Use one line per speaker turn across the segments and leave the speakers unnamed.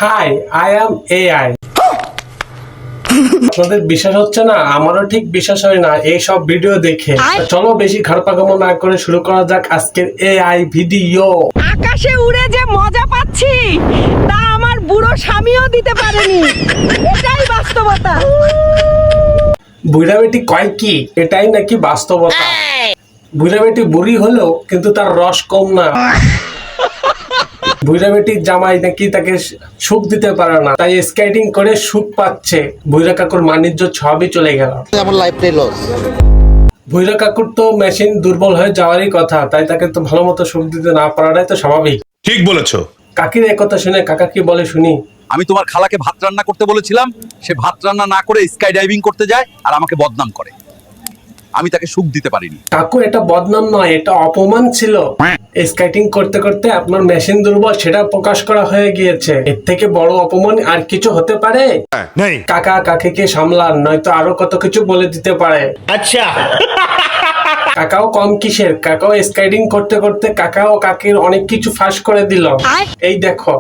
High, I am AI. আপনাদের বিশ্বাস হচ্ছে না, আমারও ঠিক বিশ্বাস হয় না এই সব ভিডিও দেখে। চলো বেশি ঘাড়পাকামো না করে শুরু করা যাক আজকের এআই ভিডিও।
আকাশে উড়ে যে মজা পাচ্ছি তা আমার বুড়ো স্বামীও দিতে পারেনি, এটাই বাস্তবতা।
বুড়া বেটি কয় কি, এটাই নাকি বাস্তবতা। বুড়া বেটি বুড়ি হলেও কিন্তু তার রস কম না। বুড়া বেটির জামাই নাকি তাকে সুখ দিতে পারে না, তাই স্কেটিং করে সুখ পাচ্ছে। বুড়া কাকুর মানিজ্য সবই চলে গেল।
আমার লাইফটাই লস।
বুড়া কাকুর তো মেশিন দুর্বল হয়ে যাওয়ারই কথা, তাই তাকে তো ভালো মতো সুখ দিতে না পারাটাই তো স্বাভাবিক।
ঠিক বলেছো।
কাকির একথা শুনে কাকা কি বলে শুনি।
আমি তোমার খালাকে ভাত রান্না করতে বলেছিলাম, সে ভাত রান্না না করে স্কাই ডাইভিং করতে যায় আর আমাকে বদনাম করে। আমি তাকে সুখ দিতে পারিনি।
কাকু, এটা বদনাম নয়, এটা অপমান ছিল। স্কেটিং করতে করতে আপনার মেশিন দুর্বল সেটা প্রকাশ করা হয়ে গিয়েছে। এর থেকে বড় অপমান আর কিছু হতে পারে?
নেই।
কাকা কাকিকে সামলান, নয়তো আরো কত কিছু বলে দিতে পারে।
আচ্ছা।
কাকাও কম কিসের, কাকাও স্কেটিং করতে করতে কাকাও কাকির অনেক কিছু ফাঁস করে দিল। এই দেখো।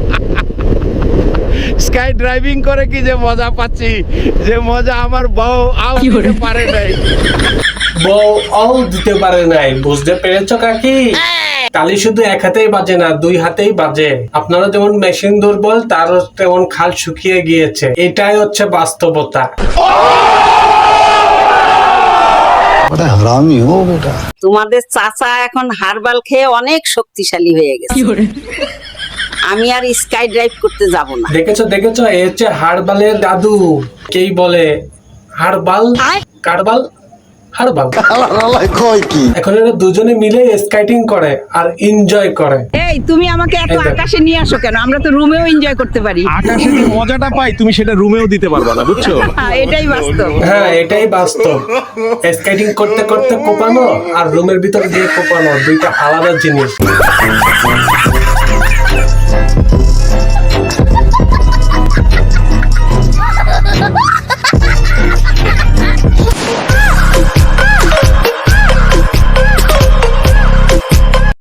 স্কাই ড্রাইভিং করে কি যে মজা পাচ্ছি, যে মজা আমার বউ আও দিতে পারে নাই।
বউ অও দিতে পারে নাই, বুঝতে পেরেছ কাকি? তালি শুধু এক হাতেই বাজে না, দুই হাতেই বাজে। আপনারা যেমন মেশিন দুর্বল, তার তেমন খাল শুকিয়ে গিয়েছে। এটাই হচ্ছে বাস্তবতা।
হারামি হো বেটা।
তোমাদের চাচা এখন হারবাল খেয়ে অনেক শক্তিশালী হয়ে গেছে। আমি আর স্কাই ড্রাইভ করতে যাব না।
দেখেছো দেখেছো, এ হচ্ছে হারবালের দাদু। কেই বলে হারবাল, কারবাল, হারবাল।
কয় কি?
এখন এরা দুজনে মিলে স্কেটিং করে আর এনজয় করে।
এই তুমি আমাকে এত
এই দেখো।
আকাশে নিয়ে আসো কেন? আমরা তো রুমেও এনজয় করতে পারি।
আকাশে যে মজাটা পাই তুমি সেটা রুমেও দিতে পারবা না, বুঝছো?
এটাই বাস্তব।
হ্যাঁ, এটাই বাস্তব। স্কেটিং করতে করতে কোপানো আর রুমের ভিতরে দিয়ে কোপানো দুইটা আলাদা জিনিস।